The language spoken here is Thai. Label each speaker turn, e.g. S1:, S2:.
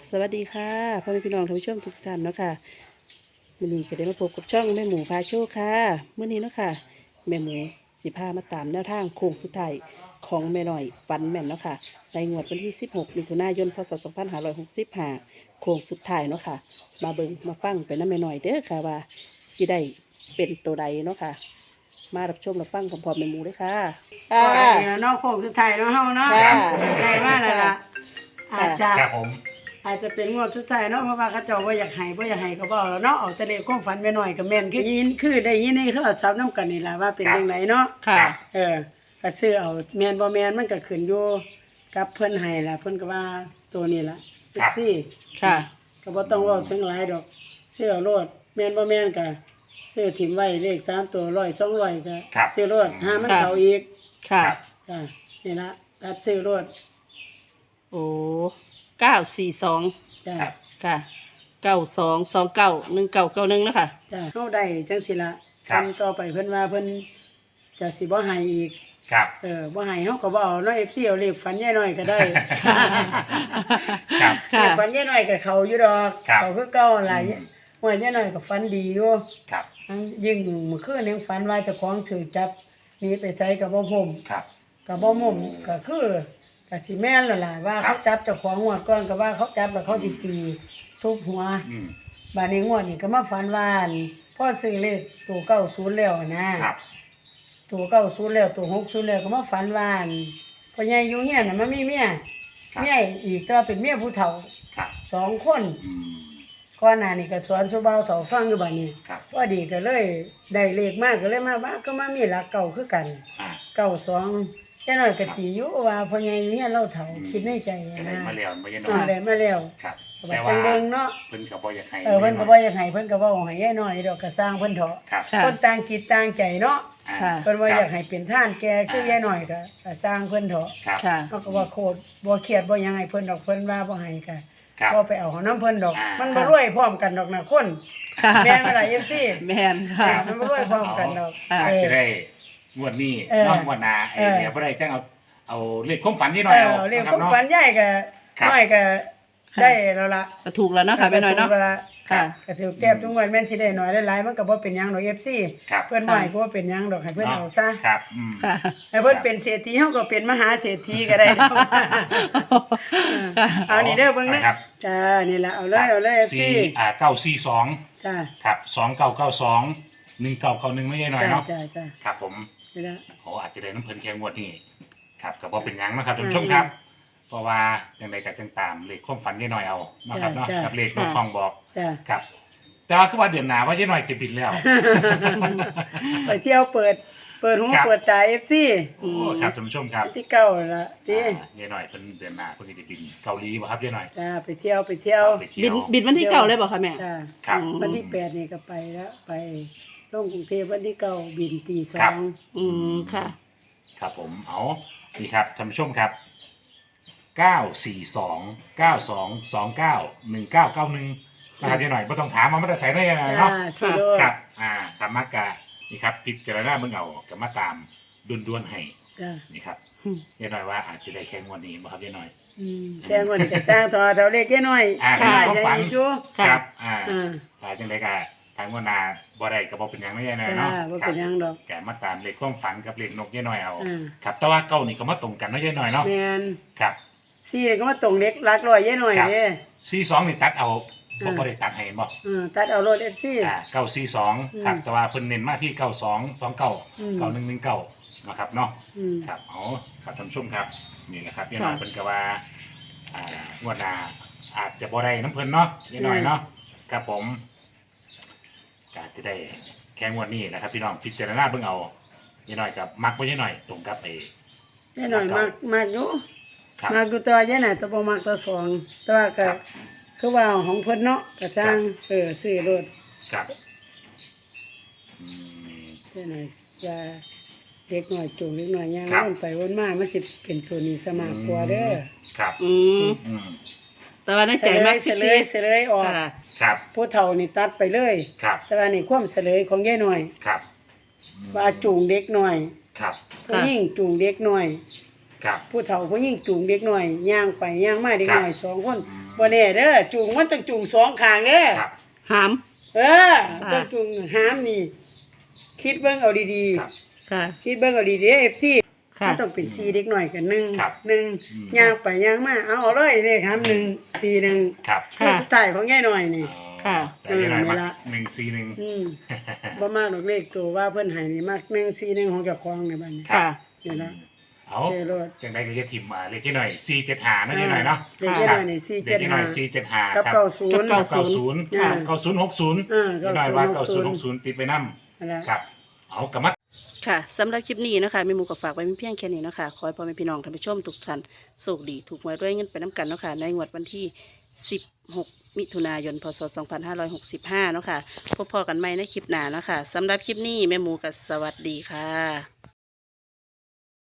S1: สวัสดีค่ะพ่อแม่พี่น้องท่านผู้ชมทุกท่านเนาะค่ะมื้อนี้ก็ได้มาพบกับช่องแม่หมูพาโชคค่ะมื้อนี้เนาะค่ะแม่หมูสิพามาตามแนวทางโค้งสุดท้ายของแม่น้อยฝันแม่นเนาะค่ะในงวดวันที่16มิถุนายนพศ2565โค้งสุดท้ายเนาะค่ะมาเบิ่งมาฟังไปนำแม่น้อยเด้อค่ะว่าสิได้เป็นตัวใดเนาะค่ะมารับชมรับฟังพร้อมๆแม่หมูเลยค่ะ
S2: ก็ได้เนาะโค้งสุดท้ายเนาะเฮาเนาะ
S1: ค่ะ
S2: ได้มาแล้วล่ะอาจจะ
S3: ครับผม
S2: อาจจะเป็นงวดสุดท้ายเนาะเพราะว่าเขาเจ้าบ่อยากให้ก็บ่แล้วเนาะเอาแต่เลขความฝันไปหน่อยก็แม่นคือได้ยินในโทรศัพท์นำกันนี่ล่ะว่าเป็นจังไดเนาะ
S1: ค่ะ
S2: ก็ซื้อเอาแม่นบ่แม่นมันก็ขึ้นอยู่กับเพิ่นให้ล่ะเพิ่นก็ว่าตัวนี้ล่ะซี่
S1: ค่ะ
S2: ก็บ่ต้องเว้าถึงหลายดอกซื้อเอาโลดแม่นบ่แม่นก็ซื้อถิ่มไว้เลข3ตัว100 200ก็ซื้อโลดหามันเข้าอีก
S1: ค่ะ
S2: จ้ะนี่ละตัดซื้อรถ
S1: โอ้942
S2: จ้ะ
S3: ครับ
S1: ค่ะ92291991นะคะ
S2: จ้ะเฮาได้จังสิละ
S3: ครับ
S2: ทำต่อไปเพิ่นว่าเพิ่นจะสิบ่ให้อีก
S3: ครับ
S2: บ่ให้เฮาก็บ่เอาเนาะ FC เอาเลขฝันยายน้อยก็ได้
S3: ครับ
S2: เลขฝันยายน้อยก็เข้าอยู่ดอก
S3: ครับ
S2: เข้าคือเก่าหลาย
S3: อืม
S2: ว่ายายน้อยก็ฝันดีอยู่
S3: ครับ
S2: ยิ่งเมื่อคืนยังฝันว่าเจ้าของถูกจับหนีไปไสก็บ่พม
S3: ครับ
S2: ก็บ่มุมก็คือก็สิแม่นแล้วล่ะว่า
S3: ครั
S2: เขา
S3: บ
S2: จับเจ้าของงวดก่อนก็ว่าเขาจับแล้วเขาสิตีทุบหัว
S3: อืม
S2: บาดนี้งวดนี้ก็มาฝันว่าอั่นพ่อซื้อเลขตัว90แล้วนะครับ ตัว90แล้วตัว60แล้วก็มาฝันว่าอั่นพ่อใหญ่อยู่เฮียนน่ะมันมีเมีย
S3: ครับ
S2: เมียอีกก็เป็นเมียผู้เฒ่า
S3: ครับ
S2: 2 คน
S3: อืม
S2: ก่อนหน้านี้ก็สอนสุเบาเฒ่าฟังอยู่บัดนี้
S3: ครับ
S2: พอดีก็เลยได้เลขมาก็เลยมาว่าก็มามีหลักเก่าคือกัน
S3: อ่า
S2: 92แค่น้อยก็ตีอยู่ว่าพ่อใหญ่อยู่เฮียนเราเฒ่าคิดในใจ
S3: ก็ได้
S2: นะ
S3: มาแล้วไม่ใช่น้อ
S2: ได้มาแล้ว
S3: ครับ
S2: แต่
S3: แต่
S2: ว่า
S3: ว่า
S2: จังเบิ่งเนาะ
S3: เพิ่นก็บ่อยากให้
S2: เพิ่นก็บ่อยากให้เพิ่นก็เว้าให้ยายน้อยดอกก็สร้างเพิ่นเถาะ
S3: ครับ
S1: ค่ะ
S2: คนต่างจิตต่างใจเนาะ
S3: อ่า
S1: ค่ะ
S2: เพิ่นว่า
S3: ค
S2: อ
S3: รับ
S2: ยากให้เป็นท่านแกคือยายน้อยก็สร้างเพิ่นเถาะ
S3: ครับ
S1: ค่ะ
S2: เฮาก็ว่าโคตรบ่เครียดบ่หยังให้เพิ่นดอกเพิ่นว่าบ่ให้ก็
S3: ครับ
S2: บ่ไปเอาของนํเพิ่นดอก
S3: อ่ามั
S2: มันบ่รวยพร้อมกันดอกนะคน
S1: ค่ะ
S2: แม่นบ่ล่ะ FC
S1: แม่นค่ะ
S2: มันบ่รวยพร้อมกันดอก
S3: อาจจะได้งวดนี้
S2: เออ
S3: นอกงวดหน้าไอ้
S2: เออ
S3: เนี่ยบ่ได้จังเอาเลขความฝันนิดหน่อยเอา
S2: เรื่อง
S3: นะค
S2: ข
S3: รั
S2: อบ ง
S3: เนาะ
S2: ฝันยายก็
S3: ครับ
S2: น้อยก็
S1: ค่ะ
S2: ได้แล้วล่ะ
S1: ก็ถูกแล้วเนาะค่ะแม่น้อยเนาะ
S2: ก็ถูกแล้วล่
S1: ค่ะ
S2: ก็ถือแก้บทุกวันแม่นสิได้น้อยหลายๆมันก็บ่เป็นหยังดอก FC
S3: ครับ
S2: เพิ่นว่าให้ก็บ่เป็นหยังดอกให้เพิ่นเอาซะ
S3: ครับอืม
S1: ค่ะ
S2: ให้เพิ่นเป็นเศรษฐีเฮาก็เป็นมหาเศรษฐีก็ได้ดอกเอานี่เด้อเบิ่งนะครับ จ้านี่ล่ะเอาเลย FC
S3: 942
S2: จ้า
S3: ครับ2992 1991ไม่ใช่น้อย
S2: จ้า
S3: เนาะ
S2: จ้า
S3: ครับผม
S2: นี่ล่ะ
S3: โอ้อาจจะได้น้ำเพลินแค่งวดนี้ครับก็บ่เป็นหยังนะครับท่าน
S2: อืม
S3: ผู้ชมครับ เพราะว่าอย่างไรก็จังตามเลขความฝันยายหน่อยเอานะครับเนาะ
S2: จ้ะ
S3: กับเลขรถทองบอก
S2: จ้า
S3: ครับ แต่ว่าคือว่าเดือนหน้าว่ายายหน่อยจะบินแล้ว
S2: ไปเที่ยวเปิดหู
S3: ครับ
S2: เปิดตา FC
S3: โอ้ครับท่านผู้ชมครับ
S2: ที่เก่าล่ะติ
S3: ยายหน่อยเพิ่นเดือนหน้าเพิ่นสิได้บินเกาหลีบ่ครับยายหน่อย
S2: จ้าไปเที่ยว
S3: ไปเที่ยว
S1: บินวันที่เก่าเลยบอกค่ะแม่
S2: จ้า
S3: ครับ
S2: วันที่8นี่ก็ไปแล้วไปลงกรุงเทพวันที่9บินตี
S3: ครับ
S2: 2
S1: อืมค่ะ
S3: ครับผมเอานี่ครับท่านผู้ชมครับ942 9229 1991นะครับยายหน่อยบ่ต้องถามว่ามันจะใส่ได้ยังไงเนาะ
S2: สิโล
S3: ครับธรรมกะนี่ครับพิจารณาเบิ่งเอาก็มาตามด่วนๆให้
S2: จ้า
S3: นี่ครับ
S1: อืม
S3: ยายหน่อยว่าอาจจะได้แค่งวดนี้บ่ครับยายหน่อย
S2: แจ้งวันนี้ก็สร้างทอเท่าเล็กแค่น้อย
S3: ค่ะ
S2: จะอีกอยู่
S1: ค่ะ
S3: ครับจังไดก็ทางงวดหน้าบ่ได้ก็บ่เป็นหยังนะยายหน่อย
S2: จ้า
S3: เนาะ
S2: ว่าเป็นหยังดอก
S3: แกมาตามเลขความฝันกับเลขนกยายหน่อยเอา
S2: อ่า
S3: ครับแต่ว่าเก้านี่ก็มาตรงกันเนาะยายหน่อยเนาะ
S2: แม่น
S3: ครับ
S2: ซี่ก็มาตรงเล็กรักร้อยแย่หน่อย
S3: ครับ
S2: เด้
S3: 42นี่ตัดเอาบ่ได้ตัดให้เห็นบ่
S2: ตัดเอารถ FC
S3: 942ครับแต่ว่าเพิ่นเน้นมาที่9229
S2: อืม
S3: 9119นะครับเนาะ
S2: อืม
S3: ครับเอาครับท่านผู้ชมครับนี่แหละครับยายหน่อยเพิ่นก็ว่า งวดหน้าอาจจะบ่ได้น้ำเพิ่นเนาะยายหน่อยเนาะครับผมก็อาจจะได้แค่งวดนี้นะครับพี่น้องพิจารณาเบิ่งเอายายหน่อยกับมักบ่ยายหน่อยตรงกับไอ้
S2: แย่หน่อยมากอยู่
S3: ครับ
S2: มากอยู่ตัวแย่หน่อยตัวบ่มากตัวสองแต่ว่าก็
S3: ครับ
S2: คือว่าของเพิ่นเนาะก็จ้างซื้อรถ
S3: ครับอืม
S2: แย่หน่อยจะเล็กหน่อยจูงเล็กหน่อยย่าง
S3: ครับ
S2: วนไปวนมามันสิเป็นตัวนี้สมากกว่าเด้อ
S3: ครับ
S1: อืม
S3: อืม
S1: แต่ว่าในใจมาก
S2: เสลยออก
S1: ค่ะ
S3: ครับ
S2: ผู้เฒ่านี่ตัดไปเลย
S3: ครับ
S2: แต่ว่านี่ความเสลยของยายหน่อย
S3: ครับอืม
S2: ว่าจูงเด็กหน่อย
S3: ครับ
S2: ผู้หญิงจูงเด็กหน่อย
S3: ครับ
S2: ผู้เฒ่าผู้หญิงจูงเด็กหน่อยย่างไปย่างมาเด็กหน่อย
S3: ครับ
S2: สองคน
S3: อืม
S2: บ่แน่เด้อจูงมันต้องจูงสองข้างเด้อ
S3: ครับ
S1: หาม
S2: เออต้องจูงหามนี่ คิดเบิ่งเอาดี
S3: ครับ
S1: ค่ะ
S2: ๆคิดเบิ่งเอาดีๆ FC
S1: ค่ะ
S2: มันต้องเป็น4เด็กน้อยกัน1
S3: ครับ
S2: 1ย่างไปย่างมาเอาเลยเลขหาม1 4 1
S3: ครับ
S2: คือสุดท้ายของยายน้อยนี่
S1: ค่ะ
S3: แต่ยังไงมา
S2: เวลา
S3: 141
S2: อืมบ่มากดอกเลขตัวว่าเพิ่นให้นี่มัก1 4 1ของเจ้าของในบัดนี้
S1: ค่ะ
S2: นี่ล่ะ
S3: เอา
S2: เซโรด
S3: จังได้ก็จะทิมเลขที่หน่อย475นั่นนี่หน่อยเนาะ
S2: เลขยายน้อยนี่
S3: เลขที่หน่อย
S2: 475
S3: 475
S2: กับ
S3: ครับ
S2: 90
S1: กับ
S3: 90
S2: อ่า
S3: 9060
S2: เออ
S3: นี่หน่อยว่า
S2: 90
S3: 9060ติดไปนำ
S2: นั่นล่ะ
S3: ครับ เอากลับมา
S1: ค่ะสำหรับคลิปนี้นะคะแม่หมูก็ฝากไว้เพียงแค่นี้นะคะขอให้พ่อแม่พี่น้องท่านผู้ชมทุกท่านโชคดีถูกหวยด้วยเงินไปน้ำกันเนาะค่ะในงวดวันที่ 16 มิถุนายน พศ 2565 เนาะค่ะพบพอกันใหม่ในคลิปหน้าเนาะค่ะสำหรับคลิปนี้แม่หมูก็สวัสดีค่ะ